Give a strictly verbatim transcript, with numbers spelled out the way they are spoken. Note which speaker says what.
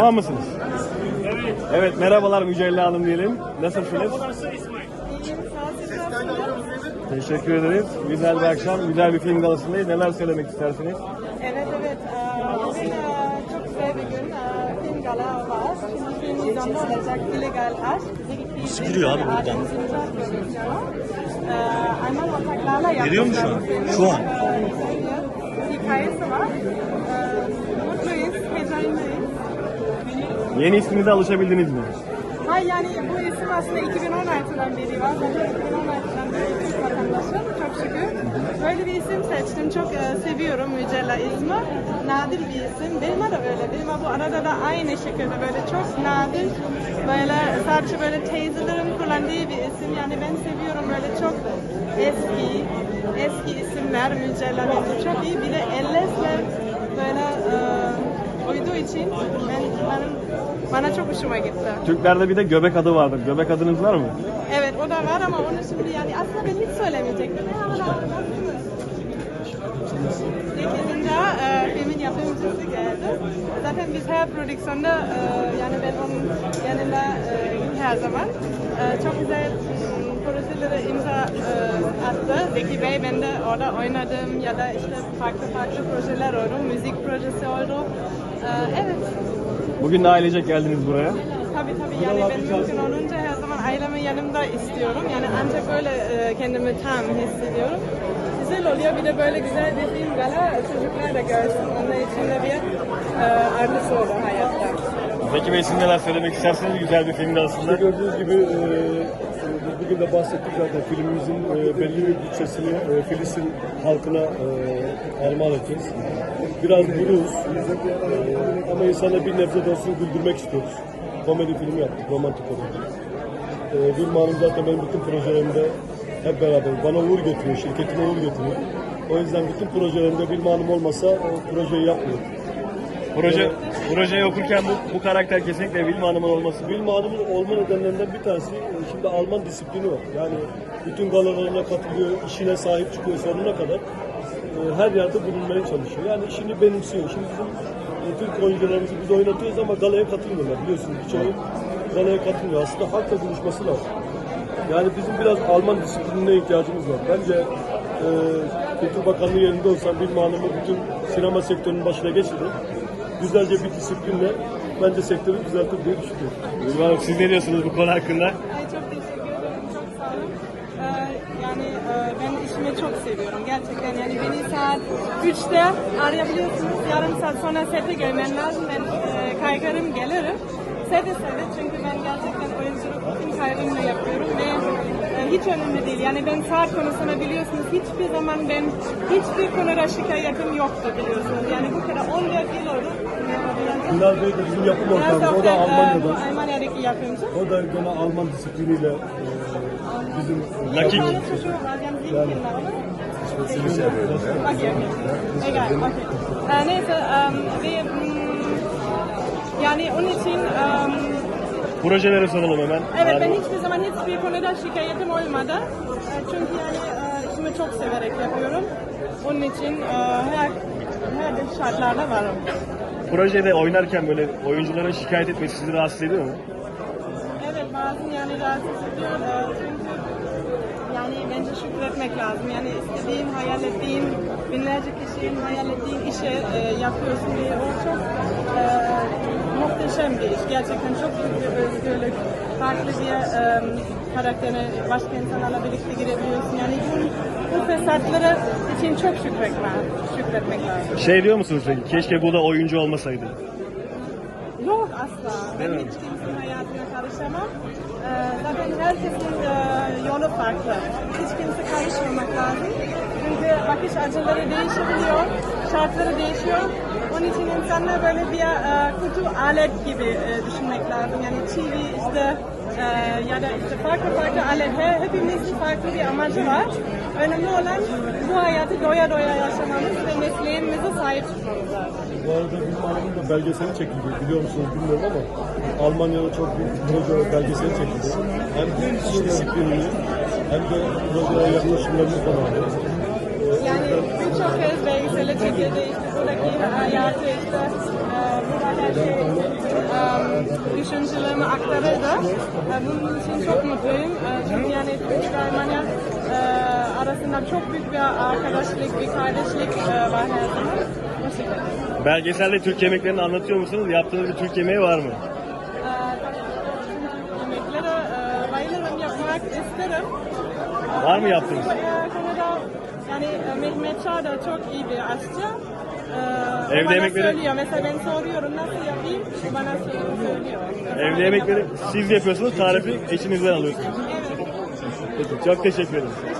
Speaker 1: Tamam mısınız? Evet. Evet, merhabalar Mücella Hanım diyelim. Nasılsınız? Teşekkür ederiz. Güzel bir akşam, güzel bir film galasındayız. Neler söylemek istersiniz?
Speaker 2: Evet, evet. Ee, Bugün e, çok güzel bir gün. Ee, Film gala var. Şimdi film vizyonda olacak illegal aşk.
Speaker 3: Sıkılıyor abi buradan.
Speaker 2: Ee, Ayman ortaklarla yapmışlar.
Speaker 3: Geliyor mu şu an? Şu an.
Speaker 2: Ee, Hikayesi var. Ee, Mutluyuz, heyecanlıyız.
Speaker 1: Yeni isminize alışabildiniz mi?
Speaker 2: Hayır, yani bu isim aslında iki bin on altıdan beri var. Ben de iki bin on altıdan beri Türk vatandaşım. Çok şükür. Böyle bir isim seçtim. Çok e, seviyorum Mücella ismi. Nadir bir isim. Benim de öyle. Benim bu arada da aynı şekilde böyle çok nadir. Böyle sadece böyle teyzelerin kullandığı bir isim. Yani ben seviyorum böyle çok eski, eski isimler Mücella. Bence çok iyi. Bir de Elles'le böyle e, uyduğu için ben, benim, bana çok hoşuma gitti.
Speaker 1: Türklerde bir de göbek adı vardır. Göbek adınız var mı?
Speaker 2: Evet, o da var ama onu şimdi yani aslında ben hiç söylemeyecektim. sekizinci e, filmin yapımcısı geldi. Zaten biz her prodüksiyonda e, yani ben onun yanında e, her zaman e, çok güzel m, projelere imza e, attı. Zeki Bey, ben de orada oynadım ya da işte farklı farklı projeler oldu. Müzik projesi oldu. E, evet.
Speaker 1: Bugün de ailecek geldiniz buraya.
Speaker 2: Tabii tabii, yani ben mümkün olunca her zaman ailemi yanımda istiyorum. Yani ancak böyle e, kendimi tam hissediyorum. Güzel oluyor, bir de böyle güzel bir film gala çocuklar da görsün. Onun için de bir e, artısı olur hayatta.
Speaker 1: Zeki Bey, siz neler söylemek isterseniz güzel bir film galasında.
Speaker 4: İşte gördüğünüz gibi e, bugün de bahsettik zaten filmimizin e, belli bir bütçesini e, Filistin halkına e, armağan edeceğiz. Biraz buruz e, ama insana bir nebze de olsun güldürmek istiyoruz. Komedi filmi yaptık, romantik komedi. E, Vilma Hanım zaten benim bütün projelerimde hep beraber bana uğur getiriyor, şirketime uğur getiriyor. O yüzden bütün projelerimde Vilma Hanım olmasa o projeyi yapmıyorum.
Speaker 1: Proje, projeyi okurken bu, bu karakter kesinlikle Vilma Hanım'ın olması.
Speaker 4: Vilma Hanım'ın olma nedenlerinden bir tanesi şimdi Alman disiplini var. Yani bütün galalarına katılıyor, işine sahip çıkıyor sonuna kadar. E, her yerde bulunmaya çalışıyor. Yani işini benimsiyor. Şimdi bizim e, Türk oyuncularımızı biz oynatıyoruz ama galaya katılmıyorlar. Biliyorsunuz birçoğu galaya katılmıyor. Aslında halkla buluşması lazım. Yani bizim biraz Alman disiplinine ihtiyacımız var. Bence e, Kültür Bakanlığı yerinde olsam Vilma Hanım'ı bütün sinema sektörünün başına geçirir. Güzelce bir disiplinle bence sektörü düzeltir diye düşünüyorum.
Speaker 1: Vilma Hanım, siz ne diyorsunuz bu konu hakkında?
Speaker 2: Ay, çok teşekkür ederim, çok sağ olun. Ee, yani e, ben işimi çok seviyorum gerçekten. Yani beni saat üçte arayabiliyorsunuz. Yarım saat sonra sete gelmen lazım. Ben e, kaygarım gelirim. Seve seve, çünkü ben gerçekten oyunculuk bütün kaygımla yapıyorum ve e, hiç önemli değil. Yani ben saat konusunda biliyorsunuz hiçbir zaman ben hiçbir konuda şikayetim yoktu biliyorsunuz. Yani bu kadar on dört yıl oldu.
Speaker 4: Bilal Bey de bizim yapım ortağımız. O da
Speaker 2: Biraz
Speaker 4: Almanya'da.
Speaker 2: e, Almanya'daki yapımcı.
Speaker 4: O da gene Alman disipliniyle e, bizim
Speaker 1: Lucky.
Speaker 2: Bir tane çocuğu var, yani bir filmler ama. Okey, okey. Egal, okey. Ee, neyse, um, ve mm, yani onun için um,
Speaker 1: Projeleri soralım hemen.
Speaker 2: evet, ben
Speaker 1: Yani
Speaker 2: hiçbir zaman hiçbir konuda şikayetim olmadı. Ee, Çünkü yani e, işimi çok severek yapıyorum. Onun için e, her her şartlarda varım.
Speaker 1: projede oynarken böyle oyuncuların şikayet etmesi sizi rahatsız ediyor mu?
Speaker 2: Evet, bazen yani rahatsız ediyor. Ee, Çünkü yani bence şükretmek lazım. Yani istediğin, hayal ettiğin, binlerce kişinin hayal ettiğin işe e, yapıyorsun diye o çok e, muhteşem bir iş. Gerçekten çok büyük bir özgürlük. Farklı bir e, karaktere, başka insanlarla birlikte girebiliyorsun. Yani bu, bu fırsatları için çok şükretmek, şükretmek lazım.
Speaker 1: Şey diyor musunuz peki? Keşke bu da oyuncu olmasaydı.
Speaker 2: Yok asla. Ben hiç kimsenin hayatına karışamam. Ee, zaten herkesin e, yolu farklı. Hiç kimse karışmamak lazım. Çünkü bakış açıları değişebiliyor, şartları değişiyor. Onun için insanlar böyle bir e, kutu alet gibi e, düşünmek lazım. Yani çivi işte e, ya da işte farklı farklı alet. He, hepimizin farklı bir amacı var. Önemli olan bu hayatı doya doya yaşamamız ve mesleğimize sahip çıkmamız lazım.
Speaker 4: Bu arada Vilma Hanım'ın da belgeseli çekildi. Biliyor musunuz bilmiyorum ama Almanya'da çok büyük proje belgeseli çekildi. Hem iş disiplinini hem de projeye yaklaşımlarını falan.
Speaker 2: Yani birçok kez belgesele çekildi, işte buradaki hayatı, işte e, burada her şey e, düşüncelerimi aktarırdı. E, bunun için çok mutluyum. E, çünkü yani Türkiye ve Almanya e, arasında çok büyük bir arkadaşlık, bir kardeşlik e, var her zaman. O şekilde.
Speaker 1: Belgeselde Türk yemeklerini anlatıyor musunuz? Yaptığınız bir Türk yemeği var mı?
Speaker 2: E, yemekleri e, bayılırım, yapmak isterim.
Speaker 1: Var mı yaptığınız?
Speaker 2: E, Kanada, yani e, Mehmet Çağ da çok iyi bir aşçı. E,
Speaker 1: Evde
Speaker 2: bana
Speaker 1: yemekleri-
Speaker 2: söylüyor. Mesela ben soruyorum nasıl yapayım, bana söylüyor.
Speaker 1: Evde yemekleri siz yapıyorsunuz, tarifi eşinizden alıyorsunuz.
Speaker 2: Evet.
Speaker 1: Peki, çok teşekkür ederim.